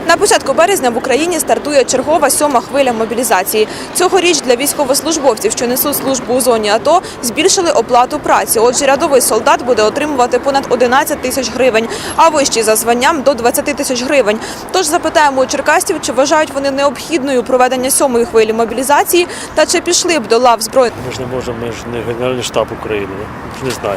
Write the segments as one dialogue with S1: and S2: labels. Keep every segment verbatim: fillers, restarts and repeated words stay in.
S1: На початку березня в Україні стартує чергова сьома хвиля мобілізації. Цьогоріч для військовослужбовців, що несуть службу у зоні АТО, збільшили оплату праці. Отже, рядовий солдат буде отримувати понад одинадцять тисяч гривень, а вищий за званням – до двадцяти тисяч гривень. Тож запитаємо у черкасців, чи вважають вони необхідною проведення сьомої хвилі мобілізації та чи пішли б до лав збройних.
S2: Ми ж не можемо, ми ж не Генеральний штаб України, не знаю.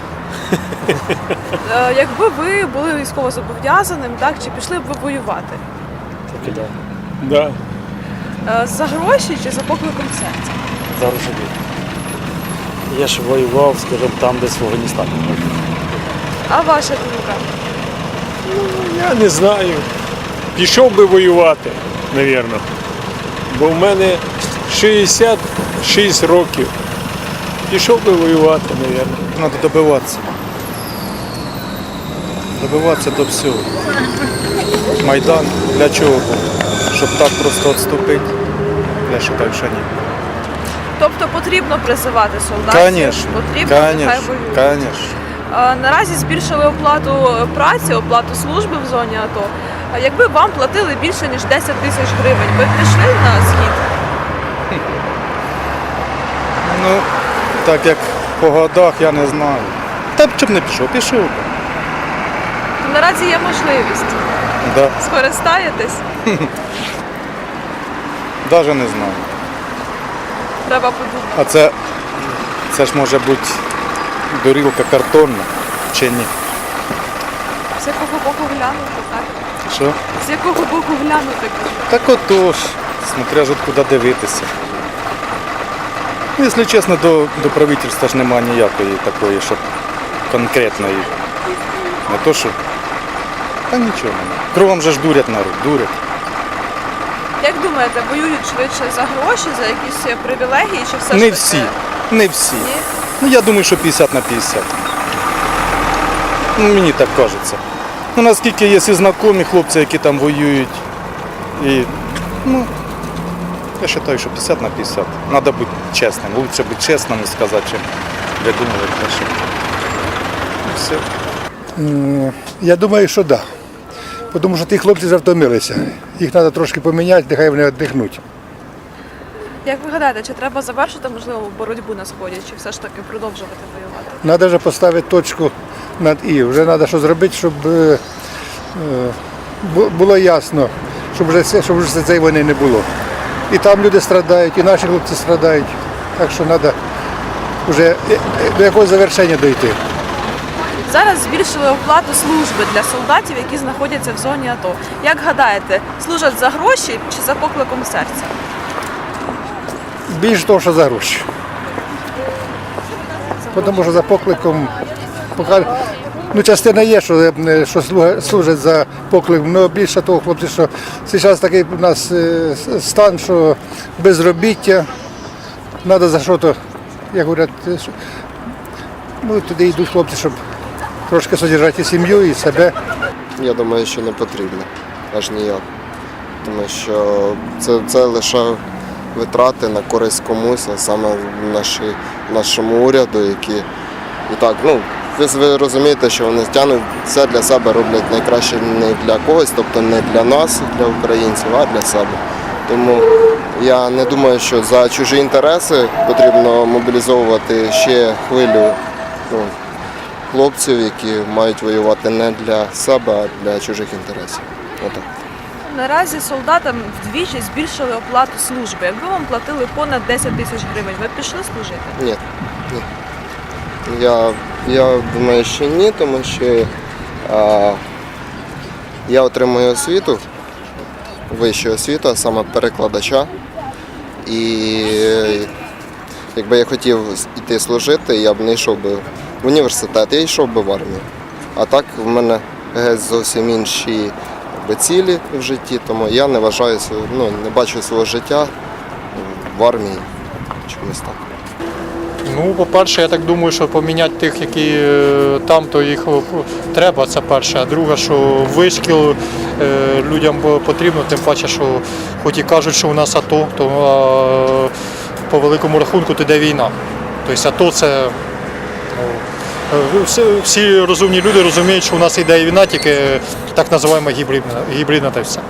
S1: Якби ви були військовозобов'язаним, так, чи пішли б ви воювати?
S2: Так і да.
S3: Да.
S1: За гроші чи за покликом серця?
S2: Зараз собі. Я ж воював, скажімо, там, десь в Афганістані.
S1: А ваша думка?
S3: Ну, я не знаю. Пішов би воювати, мабуть. Бо в мене шістдесят шість років. Пішов би воювати, мабуть.
S4: Надо добиватися. Добиватися до всього. Майдан для чого був? Щоб так просто відступити? Я вважаю, що ні.
S1: Тобто потрібно призивати солдатів?
S4: Звісно,
S1: Потрібно, нехай воюють.
S4: звісно.
S1: А, Наразі збільшили оплату праці, оплату служби в зоні АТО. А якби вам платили більше, ніж десять тисяч гривень, ви б пішли на схід?
S4: Ну, так як по годах, я не знаю. Та б чим не пішов, пішов би.
S1: Наразі є можливість.
S4: Да.
S1: Скористаєтесь?
S4: Навіть не знаю.
S1: Треба подумати.
S4: А це, це ж може бути дорілка картонна чи ні?
S1: З якого боку глянути, так?
S4: Що?
S1: З якого боку глянути, кажу.
S4: Так отож, смотря ж куди дивитися. Ну, якщо чесно, до, до правительства ж немає ніякої такої, щоб конкретної. Не то, що. Та нічого немає. Кругом же ж дурять народ, дурять.
S1: Як думаєте, воюють швидше за гроші, за якісь привілегії, чи все ж
S4: Не
S1: таки?
S4: всі, не всі.
S1: Ні?
S4: Ну я думаю, що п'ятдесят на п'ятдесят. Ну, мені так кажеться. Ну, наскільки є і знайомі хлопці, які там воюють. І, ну, я вважаю, що п'ятдесят на п'ятдесят. Треба бути чесним. Лучше бути чесним і сказати, чим видумувати те, що. І все.
S5: Я думаю, що так. Да. Тому що ті хлопці вже втомилися. Їх треба трошки поміняти, нехай вони віддихнуть.
S1: Як ви гадаєте, чи треба завершити, можливо, боротьбу на Сході, чи все ж таки продовжувати воювати?
S5: Треба вже поставити точку над «і». Вже треба щось зробити, щоб е, бу- було ясно, щоб вже, це- щоб вже цієї війни не було. І там люди страдають, і наші хлопці страдають. Так що треба вже е, е, до якогось завершення дійти.
S1: Зараз збільшили оплату служби для солдатів, які знаходяться в зоні АТО. Як гадаєте, служать за гроші чи за покликом серця?
S5: Більше того, що за гроші. Тому що за покликом, поки, ну, частина є, що, е, що слуга- служать за покликом, але більше того, хлопці, що зараз такий у нас е, стан, що безробіття, треба за що то, як говорять, е, що- ну, туди йдуть хлопці, щоб трошки содержати і сім'ю, і себе.
S6: Я думаю, що не потрібно, аж ніяк. Тому що це, це лише витрати на користь комусь, а саме наші, нашому уряду, які і так, ну, ви, ви розумієте, що вони тягнуть все для себе, роблять найкраще не для когось, тобто не для нас, для українців, а для себе. Тому я не думаю, що за чужі інтереси потрібно мобілізовувати ще хвилю, ну, хлопців, які мають воювати не для себе, а для чужих інтересів. Отак.
S1: Наразі солдатам вдвічі збільшили оплату служби. Якби вам платили понад десять тисяч гривень, ви б пішли служити?
S6: Ні. ні. Я, я думаю, що ні, тому що а, я отримую освіту, вищу освіту, а саме перекладача. І якби я хотів йти служити, я б не йшов би в університет, я йшов би в армію. А так в мене геть зовсім інші якби, цілі в житті, тому я не вважаю, ну, не бачу свого життя в армії чомусь так.
S7: Ну, по-перше, я так думаю, що поміняти тих, які е, там, то їх е, треба, це перше. А друге, що вишкіл е, людям потрібно, тим паче, що хоч і кажуть, що у нас АТО, то е, по великому рахунку то йде війна. Тобто АТО це, ну, Е, Всі, всі розумні люди розуміють, що у нас йде війна, тільки так називаємо гібридна, гібридна та й все.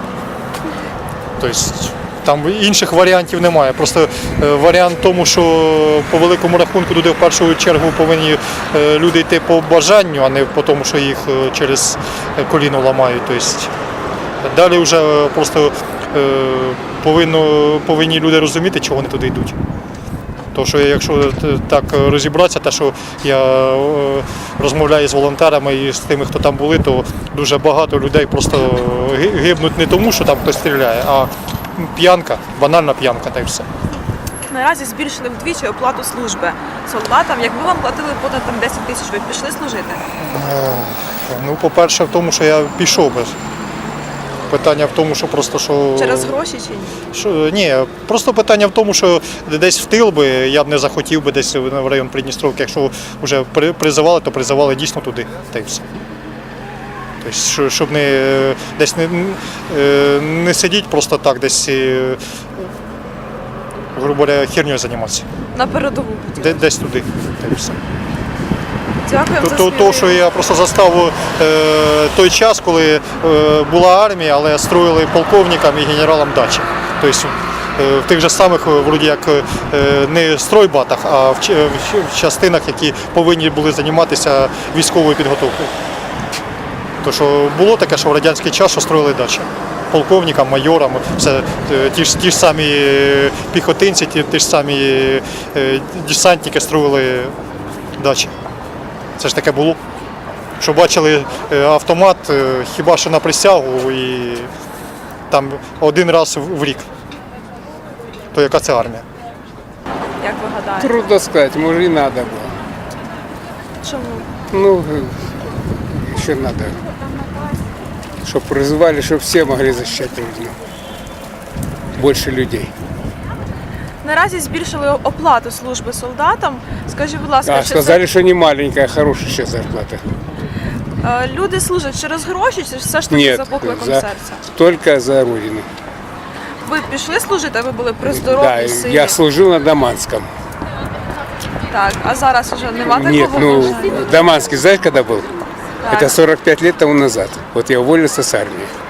S7: Тобто там інших варіантів немає. Просто е, варіант в тому, що по великому рахунку туди в першу чергу повинні е, люди йти по бажанню, а не по тому, що їх е, через коліно ламають. Тобто, далі вже просто е, повинно, повинні люди розуміти, чого вони туди йдуть. Тому що якщо так розібратися, те, що я е, розмовляю з волонтерами і з тими, хто там були, то дуже багато людей просто ги- гибнуть не тому, що там хтось стріляє, а п'янка, банальна п'янка та й все.
S1: Наразі збільшили вдвічі оплату служби солдатам. Якби вам платили понад там десять тисяч, ви б пішли служити?
S7: Ну, по-перше, в тому, що я пішов би. Питання в тому, що просто що.
S1: Через гроші чи ні?
S7: Що, ні, просто питання в тому, що десь в тил би я б не захотів би десь в район Придністровки. Якщо вже при- призивали, то призивали дійсно туди, та й все. Тобто, що- щоб не десь не, е, не сидіть просто так, десь, е, грубо говоря, хернею займатися.
S1: На передову.
S7: Де- Десь туди, та й все.
S1: Дякуємо за
S7: То, то,
S1: сміливість.
S7: що я просто застав е, той час, коли е, була армія, але строїли полковникам і генералам дачі. Тобто е, в тих же самих, е, вроді як е, не стройбатах, а в, ч- в ч- в частинах, які повинні були займатися військовою підготовкою. То що було таке, що в радянський час що строїли дачі. Полковникам, майорам, все, е, ті, ж, ті ж самі е, піхотинці, ті, ті ж самі е, десантники строїли дачі. Це ж таке було. Що бачили е, автомат е, хіба що на присягу і там один раз в в рік. То яка це армія?
S1: Як ви гадаєте?
S8: Трудно сказать, может и надо было.
S1: Чому?
S8: Ну, еще надо, чтобы призывали, чтобы все могли защищать Родину. Больше людей.
S1: Наразі збільшили оплату служби солдатам. Скажіть, будь ласка,
S8: А
S1: чи
S8: сказали, что не маленькая, а хорошая сейчас зарплата.
S1: це, е, люди служать через гроші, чи все ж таки
S8: Нет,
S1: за покликом
S8: за,
S1: серця?
S8: только за Родину.
S1: Ви пішли служити, ви були при здоров'ї,
S8: Да,
S1: силі?
S8: я служил на Даманском.
S1: Так, а зараз вже нема такого
S8: Нет, ну,
S1: бажання?
S8: Даманский, знаешь, когда был?
S1: Так.
S8: Это сорок пять лет тому назад. Вот я уволился с армии.